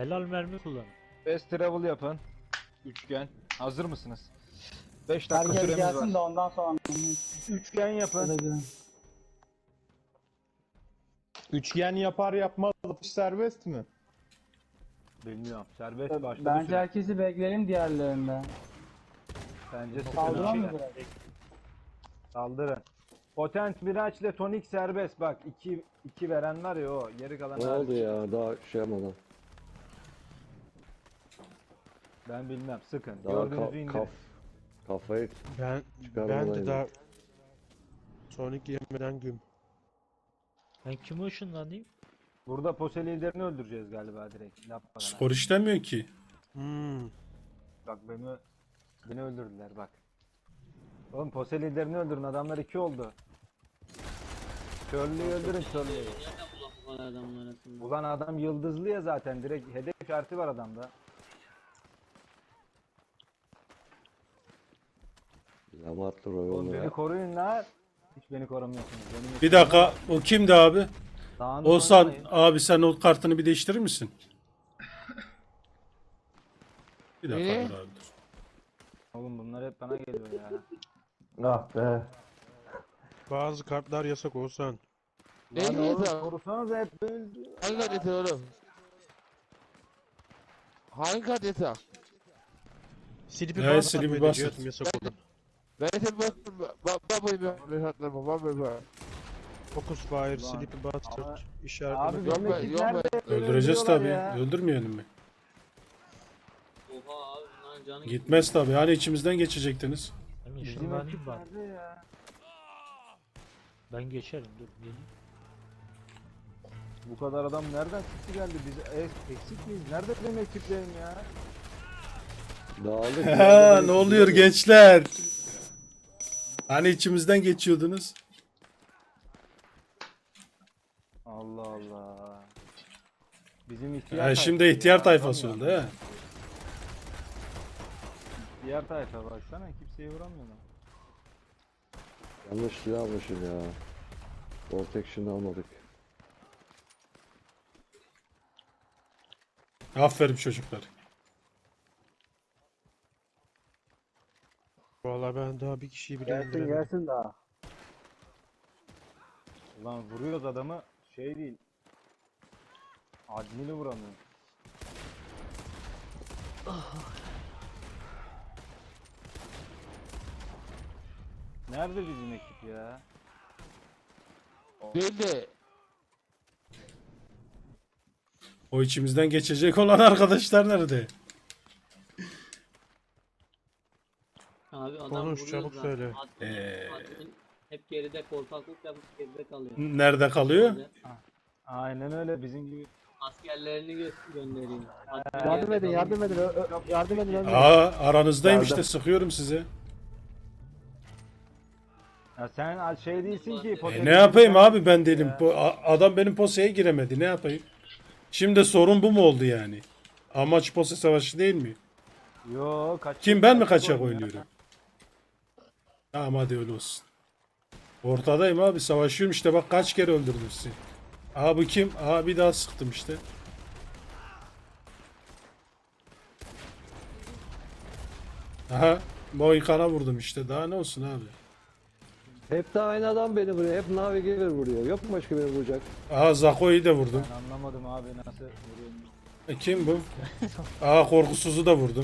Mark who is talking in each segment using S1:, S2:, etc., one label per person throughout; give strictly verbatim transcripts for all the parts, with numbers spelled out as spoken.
S1: Helal mermi kullanın.
S2: Fast travel yapın. Üçgen. Hazır mısınız? beş dakika
S3: Herkes
S2: süremiz
S3: gelsin de
S2: var.
S3: ondan sonra.
S2: Üçgen yapın.
S4: Üçgen yapar yapmaz atış serbest mi?
S2: Bilmiyorum. Serbest başladı.
S3: Bence
S2: süre.
S3: herkesi bekleyelim diğerlerinde.
S2: Bence
S3: Saldıran
S2: sıkıntı.
S3: mı direkt?
S2: Saldırın. Potent Miraç ile Tonik serbest. Bak iki iki veren var ya o. Geri kalan
S5: Ne
S2: hariç.
S5: oldu ya daha şey yapmadan.
S2: Ben bilmem. Sıkın.
S5: Daha
S2: Gördüğünüzü
S5: ka-
S2: indirin.
S5: kaf kafayı
S4: Ben
S5: çıkarmadan
S4: ben de
S5: yine.
S4: daha Sonic yemeden güm.
S1: Ben kime ışınlanayım?
S2: Burada pose liderini öldüreceğiz galiba direkt. Yapmadan.
S6: Skor işlemiyor ki.
S4: Hmm.
S2: Bak beni beni öldürdüler bak. Oğlum pose liderini öldürün. Adamlar iki oldu. Körlüğü öldürün körlüğü.
S7: Nereden bulalım bu kadar adamın arasında?
S2: Ulan adam yıldızlı ya zaten. Direkt hedef işareti var adamda.
S5: Lamatlı
S2: Oğlum
S5: Royal'ı
S2: beni
S5: ya.
S2: koruyun lan. Hiç beni korumuyorsunuz. Benim
S6: Bir dakika, o kimdi abi?
S2: Dağınık
S6: Oğuzhan
S2: oynamayın.
S6: abi, sen o kartını bir değiştirir misin? Bir dakika
S7: Ee?
S6: dur abi dur.
S2: Oğlum bunlar hep bana geliyor ya.
S5: Ah be.
S4: Bazı kartlar yasak olsan.
S2: Lan
S7: Neydi
S2: oğlum
S7: ya?
S2: korusanız hep böyle.
S7: Hangi kadete oğlum? Hangi kadete?
S4: Silipi
S6: Evet,
S4: bas
S6: silipi
S4: atmayı
S6: bas
S4: diyordum
S6: at.
S4: yasak olan.
S7: Ben de bastım. Babayı ben hesaplarım. Babayı ben.
S4: Focus fire,
S2: Ulan,
S4: silipi bastır,
S2: ama- Abi
S4: işaretleme.
S7: Yok
S2: benim
S7: be,
S2: ekip
S7: yok be.
S2: nerede?
S6: Öldüreceğiz
S2: Öldürüyorlar
S6: tabi.
S2: ya.
S6: Öldürmeyelim mi?
S7: Oha abi bunların canı
S6: Gitmez tabi. Hani içimizden geçecektiniz.
S1: Ben
S2: Bizim
S1: ışınlanayım
S2: ekip
S1: bari.
S2: nerede ya?
S1: Ben geçerim dur gelin.
S2: Bu kadar adam nereden çıktı geldi? Biz es- eksik miyiz? Nerede benim ekiplerim ya?
S5: Dağıldık.
S6: Ha, ne oluyor gençler? Hani içimizden geçiyordunuz?
S2: Allah Allah. Bizim ihtiyar
S6: Ha,
S2: tayfa
S6: şimdi
S2: ya,
S6: ihtiyar tayfası
S2: vuramıyor
S6: oldu
S2: adam.
S6: ha.
S2: İhtiyar tayfa baksana kimseyi vuramıyor lan.
S5: Yanlış silah almışım ya. Protection'ı almadık.
S6: Aferin çocuklar.
S4: Vallahi ben daha bir kişiyi bile
S3: Gelsin
S4: öldüremedim.
S3: gelsin daha.
S2: Ulan vuruyoruz adamı şey değil. Admini vuramıyor. Nerede bizim ekip ya?
S7: Değil de.
S6: O içimizden geçecek olan arkadaşlar nerede?
S7: Abi adam
S4: Konuş,
S7: vuruyor
S4: çabuk
S7: zaten.
S4: söyle.
S7: Admin-
S6: Ee.
S7: admin hep geride korkaklık yapıp geride kalıyor.
S6: Nerede kalıyor?
S2: Aynen öyle bizim gibi.
S7: Askerlerini gö gönderiyor. Admin
S3: Yardım
S7: geride
S3: edin
S7: kalıyor.
S3: yardım edin. Ö- ö- yardım edin. ölmeyin.
S6: Aa, aranızdayım
S3: Geldim.
S6: işte, sıkıyorum size.
S2: Ya sen al- şey değilsin ki.
S6: E,
S2: potansiyel
S6: ne yapayım
S2: sen-
S6: abi, ben değilim.
S2: Ya.
S6: Bu a- adam benim poseye giremedi. Ne yapayım? Şimdi sorun bu mu oldu yani? Amaç pose savaşı değil mi?
S2: Yo kaç.
S6: Kim, ben mi
S2: kaçak
S6: kaçak
S2: oynuyor?
S6: oynuyorum? Tamam hadi öyle olsun. Ortadayım abi, savaşıyorum işte, bak kaç kere öldürdüm sizi. Aha bu kim? Aha bir daha sıktım işte. Aha Mohikan'a vurdum işte, daha ne olsun abi.
S5: Hep de aynı adam beni vuruyor. Hep Navigator vuruyor. Yok mu başka beni vuracak?
S6: Aha Zako'yu da vurdum.
S2: Ben anlamadım abi nasıl vuruyorum.
S6: E, kim bu? Aha korkusuzu da vurdum.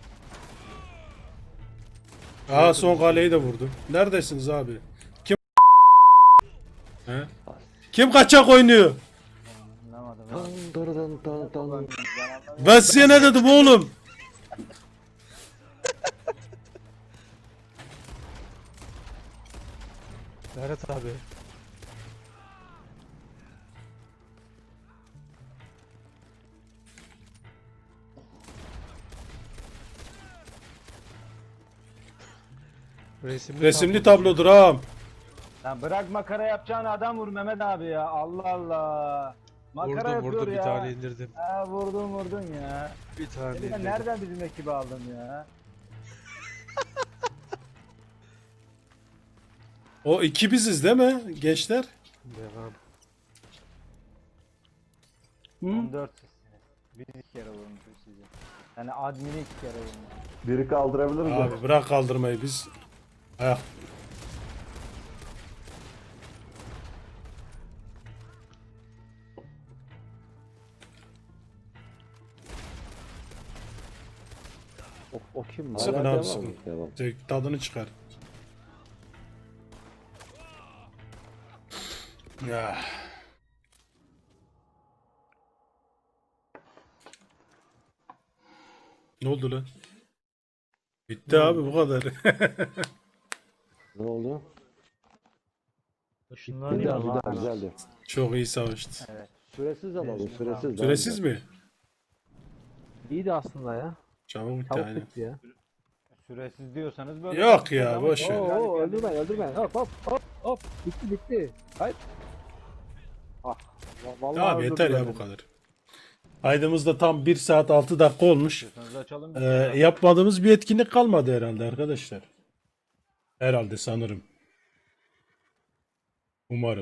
S6: Aha son kaleyi de vurdum. Neredesiniz abi? Kim? He? Kim kaçak oynuyor?
S2: Anlamadım.
S5: Tan
S2: abi.
S5: daradan tan tan.
S2: Ben anlamadım.
S6: Ben size ne dedim oğlum?
S4: Berat abi. Resimli,
S6: Resimli
S4: tablo.
S6: tablodur ağam.
S2: Lan bırak makara yapacağın adam vur Mehmet abi ya. Allah Allah. Makara
S4: Vurdum
S2: yapıyor
S4: vurdum
S2: ya.
S4: bir tane indirdim.
S2: Ha vurdun vurdun ya.
S4: Bir tane
S2: Seni ben
S4: indirdim.
S2: nereden bizim ekibi aldım ya?
S6: O iki biziz değil mi gençler?
S4: Devam.
S3: Hı?
S2: on dört sizsiniz. Biz iki kere vurmuşuz sizi. Yani admini iki kere vurmuş.
S5: Biri kaldırabilir mi?
S6: Abi bırak kaldırmayı biz. Ayak.
S5: O, o kim?
S6: Sıkın
S5: Hala
S6: abi,
S5: devam
S6: sıkın.
S5: mı? Devam.
S6: Zevk- Tadını çıkar. Ya. Ne oldu lan? Bitti abi bu kadar.
S5: Ne oldu?
S1: Işınlanıyor
S5: Güzel,
S1: ama.
S5: güzel, güzeldi.
S6: Çok iyi savaştı.
S2: Evet.
S5: Süresiz alalım, süresiz. daha
S6: Süresiz
S5: güzel.
S6: mi?
S3: İyiydi aslında ya.
S6: Çabuk bitti
S3: Çabuk
S6: aynen.
S3: bitti ya.
S2: Süresiz diyorsanız böyle.
S6: Yok ya, boş ver.
S3: Oo öldürme öldürme. Hop hop hop hop. Bitti bitti. Hayır. Ah. va- Vallahi
S6: Abi yeter ya
S3: öldürdüler
S6: bu
S3: beni.
S6: kadar. Kaydımızda tam bir saat altı dakika olmuş.
S2: Diyorsanız açalım.
S6: Ee, yapmadığımız bir etkinlik kalmadı herhalde arkadaşlar. Herhalde sanırım. Umarım.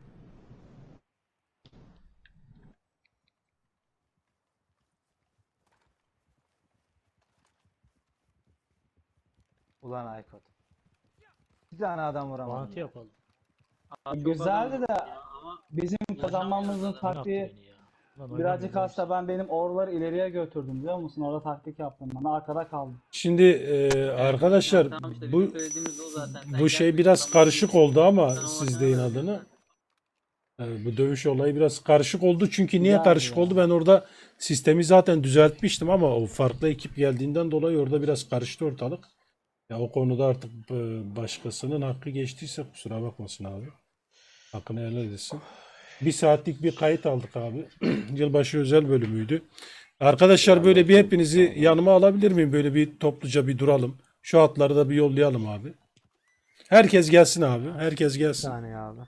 S2: Ulan Aykut. Bir tane adam vuramadım.
S1: Bağıntı yapalım.
S3: Güzeldi de bizim kazanmamızın
S1: Ne
S3: taktiği
S1: yaptı beni ya? Lan
S3: birazcık
S1: oynamıyorum.
S3: hasta, ben benim orları ileriye götürdüm biliyor musun? Orada taktik yaptım. Ben arkada kaldım.
S6: Şimdi e, arkadaşlar
S8: Tamam işte
S6: bu
S8: bizim söylediğimiz o zaten. Sen
S6: bu şey
S8: gelmişsin,
S6: biraz
S8: tamam.
S6: karışık oldu ama
S8: Sen o
S6: siz
S8: adamı
S6: deyin
S8: verdin
S6: adını.
S8: zaten.
S6: E, bu dövüş olayı biraz karışık oldu. Çünkü niye
S3: Yani
S6: karışık
S3: ya.
S6: oldu? Ben orada sistemi zaten düzeltmiştim ama o farklı ekip geldiğinden dolayı orada biraz karıştı ortalık. Ya o konuda artık e, başkasının hakkı geçtiyse kusura bakmasın abi. Hakkını helal etsin. Bir saatlik bir kayıt aldık abi. Yılbaşı özel bölümüydü. Arkadaşlar böyle bir hepinizi yanıma alabilir miyim? Böyle bir topluca bir duralım. Şu atları da bir yollayalım abi. Herkes gelsin abi. Herkes
S3: Bir
S6: gelsin.
S3: saniye abi.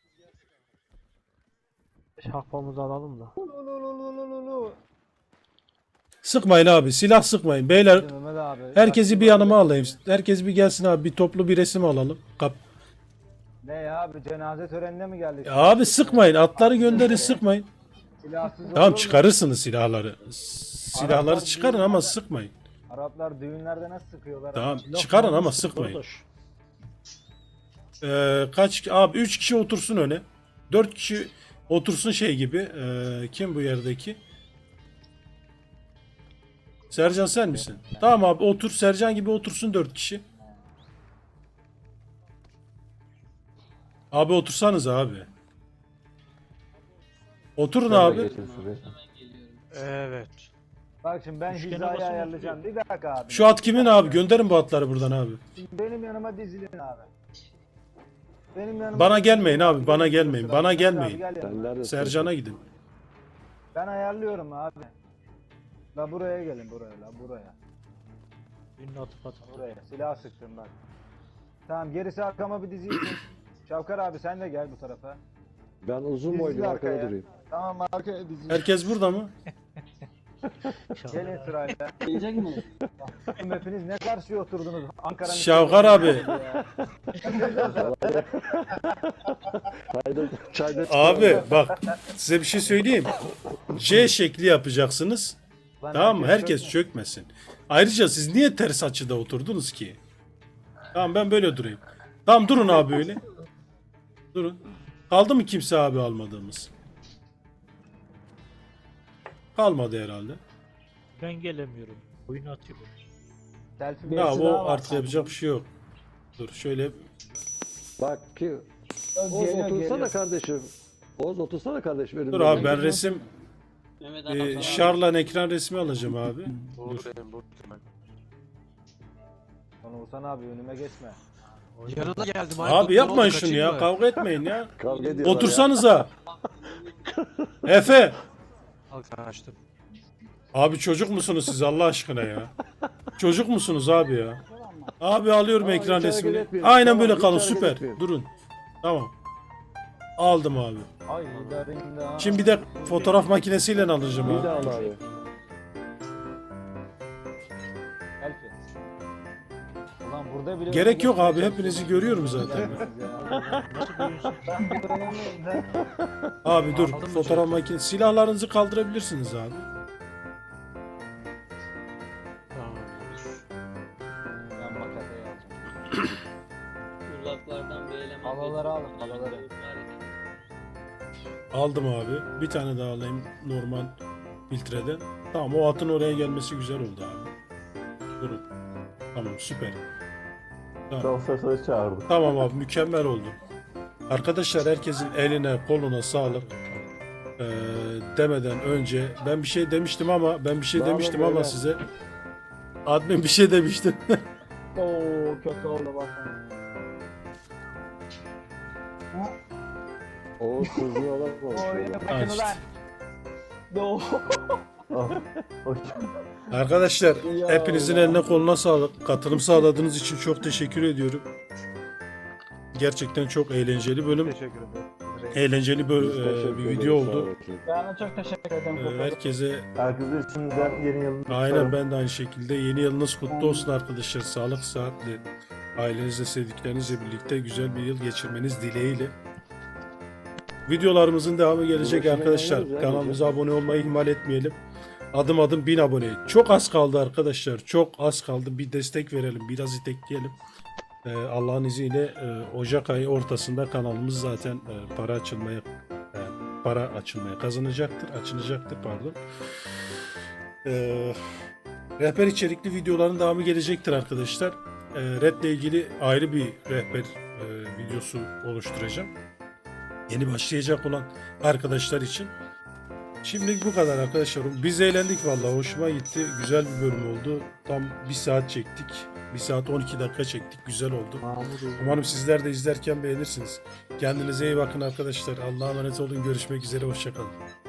S3: Şahpamızı alalım da.
S6: Sıkmayın abi. Silah sıkmayın. Beyler
S2: Mehmet abi.
S6: herkesi bir yanıma alayım. Herkes bir gelsin abi. Bir toplu bir resim alalım. Kap
S2: Ne ya abi, cenaze törenine mi geldik?
S6: Ya abi sıkmayın. Atları gönderin, sıkmayın.
S2: Silahsız
S6: Tamam,
S2: olur mu?
S6: çıkarırsınız silahları. Silahları
S2: Araplar
S6: çıkarın ama
S2: düğünlerde-
S6: sıkmayın.
S2: Araplar düğünlerde nasıl sıkıyorlar?
S6: Tamam,
S1: Laf
S6: çıkarın ama
S1: manası
S6: sıkmayın.
S1: kardeş.
S6: Ee, kaç abi üç kişi otursun öne. dört kişi otursun şey gibi. Ee, kim bu yerdeki? Sercan sen misin? Tamam abi otur. Sercan gibi otursun dört kişi. Abi otursanız abi. Oturun abi.
S5: Geçin süresi.
S1: Evet.
S2: Bak şimdi ben
S1: Üçgene
S2: hizayı
S1: basın
S2: ayarlayacağım. Bir dakika abi.
S6: Şu at kimin abi? Gönderin bu atları buradan abi.
S2: Şimdi benim yanıma dizilin abi. Benim yanıma
S6: Bana
S2: dizilin.
S6: gelmeyin abi, bana gelmeyin, bana
S2: Mehmet abi
S6: gelmeyin.
S2: gel yanıma.
S5: Sen neredesin?
S6: Sercan'a gidin.
S2: Ben ayarlıyorum abi. La buraya gelin, buraya la buraya.
S1: Ünlü atıp atıp.
S2: Buraya. Silah sıktım bak. Tamam, gerisi arkama bir dizilsin. Şavkar abi sen de gel bu tarafa.
S5: Ben uzun
S2: Dizil
S5: boylu arkada
S2: arkaya.
S5: durayım.
S2: Tamam, arkaya dizilin.
S6: Herkes burada mı?
S2: Gelin sırayla.
S3: Gelecek mi?
S2: Oğlum hepiniz ne karşıya oturdunuz? Ankara'nın...
S6: Şavkar abi.
S2: Ya.
S5: Çayda, çayda
S6: Abi bak size bir şey söyleyeyim. C şekli yapacaksınız.
S2: Lan
S6: Tamam mı? Herkes
S2: çökme.
S6: çökmesin. Ayrıca siz niye ters açıda oturdunuz ki? Tamam ben böyle durayım. Tamam durun abi öyle. Durun. Kaldı mı kimse abi almadığımız? Kalmadı herhalde.
S1: Ben gelemiyorum. Oyunu atıyorum.
S2: Selfie
S6: Ya
S2: birisi
S6: o
S2: daha var.
S6: artık yapacak bir şey yok. Dur şöyle.
S5: Bak ki Oğuz
S3: Geliyor,
S5: otursana
S3: geliyor.
S5: kardeşim. Oğuz otursana kardeşim. önümde.
S6: Dur abi ben resim
S8: Mehmet
S6: e,
S8: abi.
S6: Şarlan ekran resmi alacağım abi. Dur.
S7: Buradayım buradayım ben.
S2: Lan Oğuzhan abi önüme geçme.
S9: Yanına geldim.
S6: Abi yapmayın şunu ya. Kavga etmeyin ya.
S5: Kavga ediyorlar ya.
S6: Otursanıza. Efe.
S9: Al kaçtım.
S6: Abi çocuk musunuz siz Allah aşkına ya? Çocuk musunuz abi ya? Abi alıyorum
S5: Tamam,
S6: ekran
S5: hiç hareket
S6: resmini.
S5: etmeyelim.
S6: Aynen
S5: Tamam,
S6: böyle
S5: hiç
S6: kalın
S5: hareket
S6: süper.
S5: etmeyelim.
S6: Durun. Tamam. Aldım abi.
S2: Ay darında.
S6: Şimdi bir de fotoğraf makinesiyle alacağım
S5: Bir
S6: abi.
S5: daha al abi.
S2: Selfie. Ulan burada bile...
S6: Gerek yok abi hepinizi görüyorum zaten.
S1: Nasıl görüyorsun?
S6: Abi dur fotoğraf makinesi. Silahlarınızı kaldırabilirsiniz abi.
S8: Uzaklardan bir eleman
S2: Havaları
S8: geçiyor.
S2: alın, havaları.
S6: Aldım abi. Bir tane daha alayım normal filtreden. Tamam, o atın oraya gelmesi güzel oldu abi. Durun. Tamam, süper. Tamam.
S4: Şoförü çağırdık.
S6: Tamam abi, mükemmel oldu. Arkadaşlar, herkesin eline koluna sağlık. Ee, demeden önce ben bir şey demiştim ama ben bir şey
S2: Bravo
S6: demiştim ama
S2: beyler.
S6: size admin bir şey demişti.
S2: Oo kötü oldu bak.
S5: O kızıyorlar konuşuyorlar.
S2: Bakın ulan. Oo.
S6: Arkadaşlar,
S2: Ya
S6: hepinizin
S2: Allah.
S6: eline koluna sağlık. Katılım sağladığınız için çok teşekkür ediyorum. Gerçekten çok eğlenceli bölüm.
S2: Teşekkür ederim.
S6: Eğlenceli böl-
S5: Biz
S6: e,
S5: teşekkür
S6: bir
S5: ederiz,
S6: video
S5: sağ
S6: oldu.
S5: olun.
S2: Ben de çok teşekkür ederim.
S6: Ee, Herkese
S4: Herkese şimdiden yeni yılını
S6: aynen, ben de aynı şekilde yeni yılınız kutlu olsun arkadaşlar. Sağlık, sıhhatle, ailenizle, sevdiklerinizle birlikte güzel bir yıl geçirmeniz dileğiyle. Videolarımızın devamı gelecek
S5: Uğraşmaya
S6: arkadaşlar.
S5: oynarız ya,
S6: Kanalımıza abone olmayı ihmal etmeyelim. Adım adım bin abone. Çok az kaldı arkadaşlar. Çok az kaldı. Bir destek verelim. Biraz itekleyelim. Ee, Allah'ın izniyle e, Ocak ayı ortasında kanalımız zaten e, para açılmaya e, para açılmaya kazanacaktır. Açılacaktır pardon. Ee, rehber içerikli videoların devamı gelecektir arkadaşlar. Ee, Red'le ilgili ayrı bir rehber e, videosu oluşturacağım. Yeni başlayacak olan arkadaşlar için. Şimdilik bu kadar arkadaşlar. Biz eğlendik vallahi. Hoşuma gitti. Güzel bir bölüm oldu. Tam bir saat çektik. bir saat on iki dakika çektik. Güzel oldu. Umarım sizler de izlerken beğenirsiniz. Kendinize iyi bakın arkadaşlar. Allah'a emanet olun. Görüşmek üzere. Hoşçakalın.